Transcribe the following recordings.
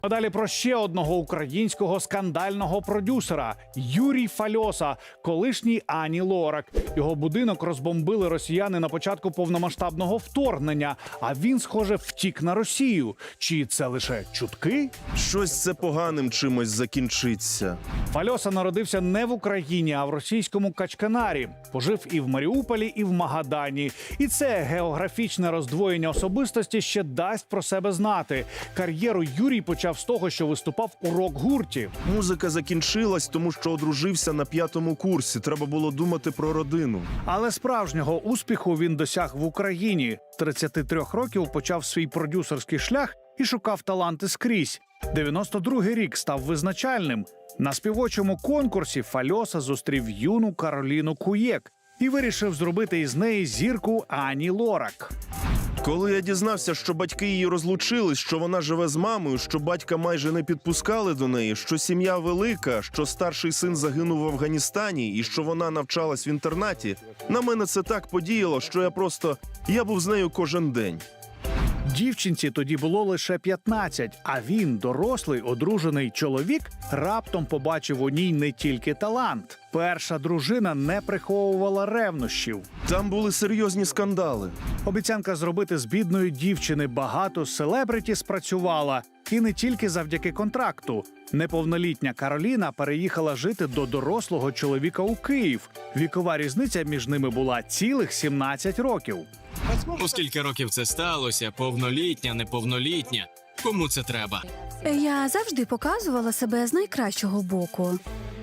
А далі про ще одного українського скандального продюсера – Юрій Фальоса, колишній Ані Лорак. Його будинок розбомбили росіяни на початку повномасштабного вторгнення, а він, схоже, втік на Росію. Чи це лише чутки? Щось це поганим чимось закінчиться. Фальоса народився не в Україні, а в російському Качканарі. Пожив і в Маріуполі, і в Магадані. І це географічне роздвоєння особистості ще дасть про себе знати. Кар'єру Юрій почав з того, що виступав у рок-гурті. Музика закінчилась, тому що одружився на 5-му курсі. Треба було думати про родину. Але справжнього успіху він досяг в Україні. 33 років почав свій продюсерський шлях і шукав таланти скрізь. 92-й рік став визначальним. На співочому конкурсі Фальоса зустрів юну Кароліну Куєк і вирішив зробити із неї зірку Ані Лорак. Коли я дізнався, що батьки її розлучились, що вона живе з мамою, що батька майже не підпускали до неї, що сім'я велика, що старший син загинув в Афганістані і що вона навчалась в інтернаті, на мене це так подіяло, що я був з нею кожен день. Дівчинці тоді було лише 15, а він, дорослий, одружений чоловік, раптом побачив у ній не тільки талант. Перша дружина не приховувала ревнощів. Там були серйозні скандали. Обіцянка зробити з бідної дівчини багато селебриті спрацювала. І не тільки завдяки контракту. Неповнолітня Кароліна переїхала жити до дорослого чоловіка у Київ. Вікова різниця між ними була цілих 17 років. У скільки років це сталося? Повнолітня, неповнолітня? Кому це треба? Я завжди показувала себе з найкращого боку.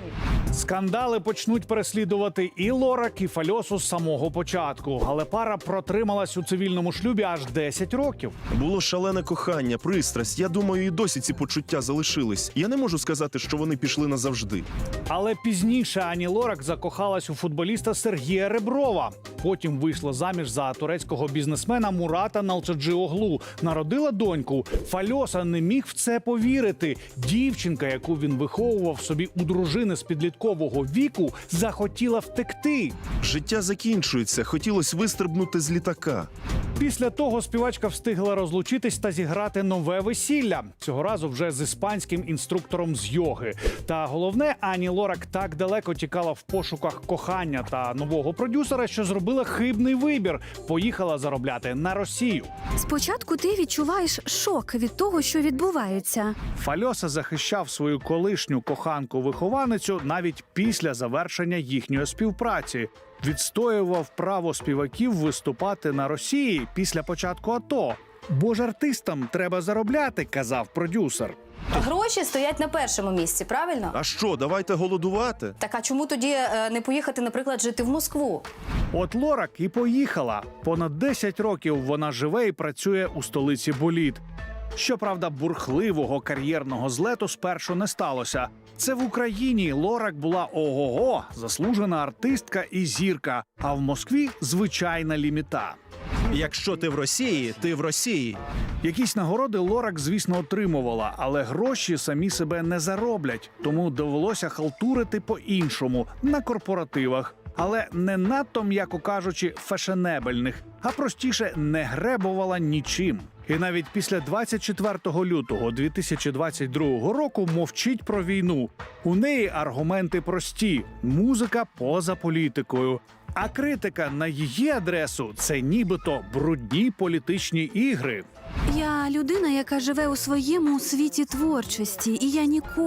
Скандали почнуть переслідувати і Лорак, і Фальосу з самого початку. Але пара протрималась у цивільному шлюбі аж 10 років. Було шалене кохання, пристрасть. Я думаю, і досі ці почуття залишились. Я не можу сказати, що вони пішли назавжди. Але пізніше Ані Лорак закохалась у футболіста Сергія Реброва. Потім вийшла заміж за турецького бізнесмена Мурата Налчаджіоглу. Народила доньку. Фальоса не міг в це повірити. Дівчинка, яку він виховував собі у дружини з підліткового віку, захотіла втекти. Життя закінчується, хотілося вистрибнути з літака. Після того співачка встигла розлучитись та зіграти нове весілля. Цього разу вже з іспанським інструктором з йоги. Та головне, Ані Лорак так далеко тікала в пошуках кохання та нового продюсера, що зробила хибний вибір. Поїхала заробляти на Росію. Спочатку ти відчуваєш шок від того, що відбувається. Фальоса захищав свою колишню коханку-вихованицю навіть після завершення їхньої співпраці. Відстоював право співаків виступати на Росії після початку АТО. Бо ж артистам треба заробляти, казав продюсер. Гроші стоять на першому місці, правильно? А що, давайте голодувати? Так а чому тоді не поїхати, наприклад, жити в Москву? От Лорак і поїхала. Понад 10 років вона живе і працює у столиці боліт. Щоправда, бурхливого кар'єрного злету спершу не сталося. Це в Україні Лорак була ого-го, заслужена артистка і зірка, а в Москві – звичайна ліміта. Якщо ти в Росії, ти в Росії. Якісь нагороди Лорак, звісно, отримувала, але гроші самі себе не зароблять, тому довелося халтурити по-іншому, на корпоративах. Але не надто, м'яко кажучи, фешенебельних, а простіше не гребувала нічим. І навіть після 24 лютого 2022 року мовчить про війну. У неї аргументи прості – музика поза політикою. А критика на її адресу – це нібито брудні політичні ігри. Я людина, яка живе у своєму світі творчості, і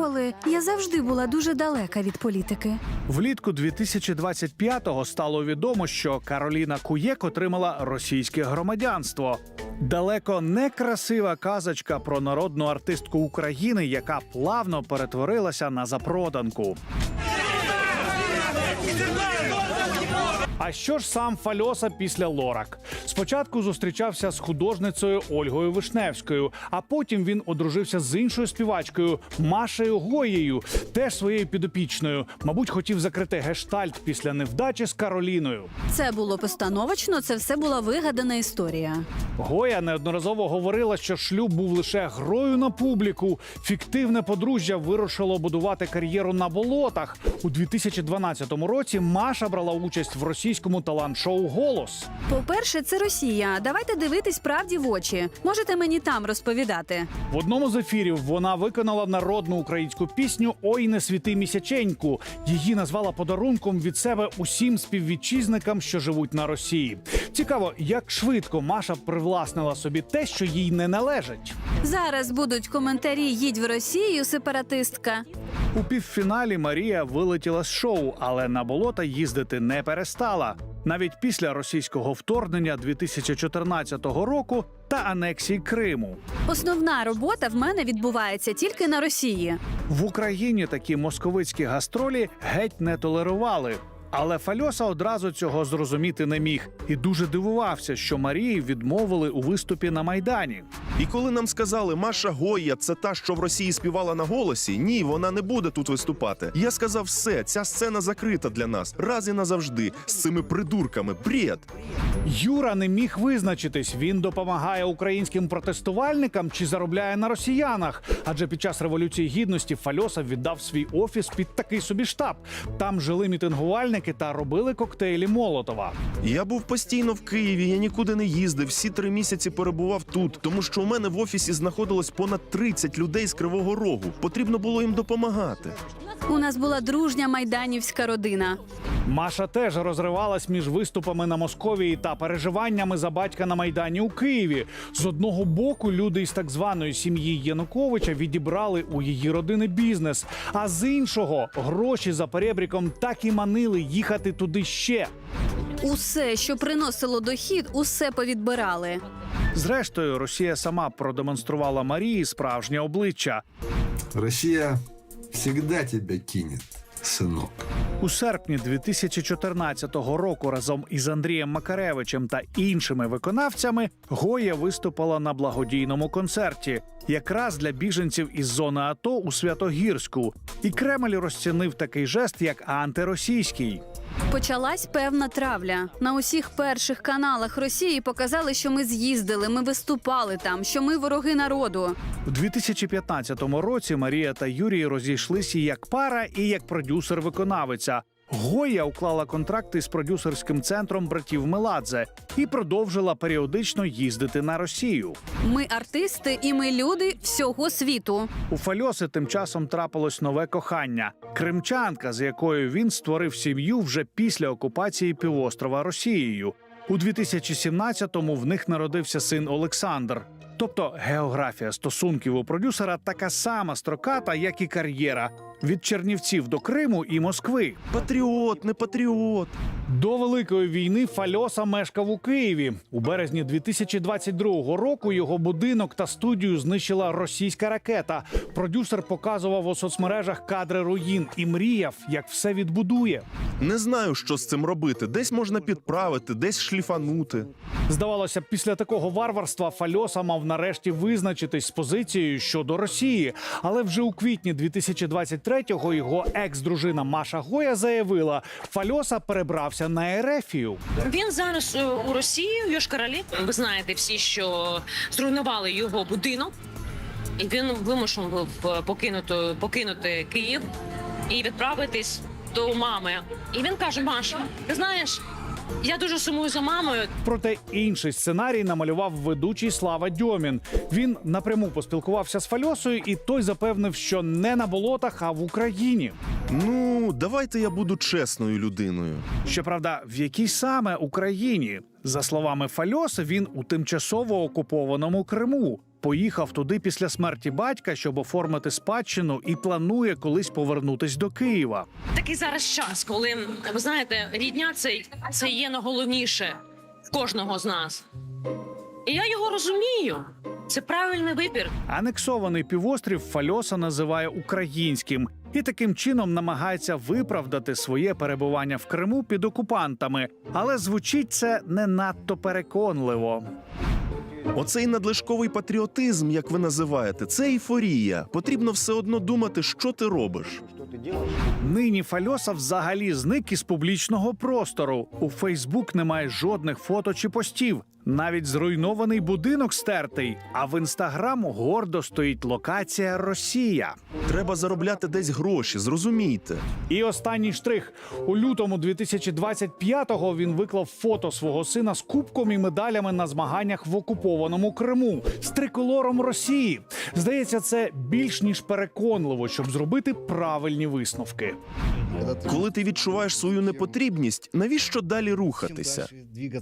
я завжди була дуже далека від політики. Влітку 2025-го стало відомо, що Кароліна Куєк отримала російське громадянство. Далеко не красива казочка про народну артистку України, яка плавно перетворилася на запроданку. А що ж сам Фальоса після Лорак? Спочатку зустрічався з художницею Ольгою Вишневською, а потім він одружився з іншою співачкою Машею Гоєю, теж своєю підопічною. Мабуть, хотів закрити гештальт після невдачі з Кароліною. Це було постановочно, це все була вигадана історія. Гоя неодноразово говорила, що шлюб був лише грою на публіку. Фіктивне подружжя вирушило будувати кар'єру на болотах. У 2012 році Маша брала участь в російській російському талант-шоу «Голос». По-перше, це Росія. Давайте дивитись правді в очі. Можете мені там розповідати. В одному з ефірів вона виконала народну українську пісню «Ой, не світи місяченьку». Її назвала подарунком від себе усім співвітчизникам, що живуть на Росії. Цікаво, як швидко Маша привласнила собі те, що їй не належить. Зараз будуть коментарі «Їдь в Росію, сепаратистка». У півфіналі Марія вилетіла з шоу, але на болота їздити не перестала. Навіть після російського вторгнення 2014 року та анексії Криму. Основна робота в мене відбувається тільки на Росії. В Україні такі московицькі гастролі геть не толерували. Але Фальоса одразу цього зрозуміти не міг і дуже дивувався, що Марії відмовили у виступі на Майдані. І коли нам сказали, Маша Гойя – це та, що в Росії співала на «Голосі», ні, вона не буде тут виступати. Я сказав, все, ця сцена закрита для нас, раз і назавжди, з цими придурками, бред. Юра не міг визначитись, він допомагає українським протестувальникам чи заробляє на росіянах. Адже під час Революції Гідності Фальоса віддав свій офіс під такий собі штаб. Там жили мітингувальники та робили коктейлі Молотова. Я був постійно в Києві, я нікуди не їздив, всі 3 місяці перебував тут, тому що у мене в офісі знаходилось понад 30 людей з Кривого Рогу. Потрібно було їм допомагати. У нас була дружня майданівська родина. Маша теж розривалась між виступами на Московії та переживаннями за батька на Майдані у Києві. З одного боку, люди із так званої сім'ї Януковича відібрали у її родини бізнес, а з іншого гроші за перебріком так і манили їхати туди ще. Усе, що приносило дохід, усе повідбирали. Зрештою, Росія сама продемонструвала Марії справжнє обличчя. Россия всегда тебя кинет, сынок. У серпні 2014 року разом із Андрієм Макаревичем та іншими виконавцями Гойя виступила на благодійному концерті, якраз для біженців із зони АТО у Святогірську. І Кремль розцінив такий жест як антиросійський. Почалась певна травля. На усіх перших каналах Росії показали, що ми з'їздили, ми виступали там, що ми вороги народу. У 2015 році Марія та Юрій розійшлися як пара і як продюсер-виконавиця. Гойя уклала контракти з продюсерським центром братів Меладзе і продовжила періодично їздити на Росію. Ми артисти і ми люди всього світу. У Фальоси тим часом трапилось нове кохання – кримчанка, з якою він створив сім'ю вже після окупації півострова Росією. У 2017-му в них народився син Олександр. Тобто географія стосунків у продюсера така сама строката, як і кар'єра – від Чернівців до Криму і Москви. Патріот, не патріот. До Великої війни Фальоса мешкав у Києві. У березні 2022 року його будинок та студію знищила російська ракета. Продюсер показував у соцмережах кадри руїн і мріяв, як все відбудує. Не знаю, що з цим робити. Десь можна підправити, десь шліфанути. Здавалося, після такого варварства Фальоса мав нарешті визначитись з позицією щодо Росії. Але вже у квітні 2023-го його екс-дружина Маша Гойя заявила, Фальоса перебрався на Ерефію. Він зараз у Росії, у Йошкар-Олі. Ви знаєте всі, що зруйнували його будинок. І він вимушений був покинути Київ і відправитись до мами. І він каже, Маша, ти знаєш, я дуже сумую за мамою. Проте інший сценарій намалював ведучий Слава Дьомін. Він напряму поспілкувався з Фальосою, і той запевнив, що не на болотах, а в Україні. Ну, давайте я буду чесною людиною. Щоправда, в якій саме Україні? За словами Фальоси, він у тимчасово окупованому Криму. Поїхав туди після смерті батька, щоб оформити спадщину, і планує колись повернутись до Києва. Такий зараз час, коли, ви знаєте, рідня це є найголовніше в кожного з нас. І я його розумію. Це правильний вибір. Анексований півострів Фальоса називає українським і таким чином намагається виправдати своє перебування в Криму під окупантами. Але звучить це не надто переконливо. Оцей надлишковий патріотизм, як ви називаєте, це ейфорія. Потрібно все одно думати, що ти робиш. Нині Фальоса взагалі зник із публічного простору. У Фейсбук немає жодних фото чи постів. Навіть зруйнований будинок стертий, а в інстаграм гордо стоїть локація «Росія». Треба заробляти десь гроші, зрозумійте. І останній штрих. У лютому 2025-го він виклав фото свого сина з кубком і медалями на змаганнях в окупованому Криму з триколором Росії. Здається, це більш ніж переконливо, щоб зробити правильні висновки. Коли ти відчуваєш свою непотрібність, навіщо далі рухатися?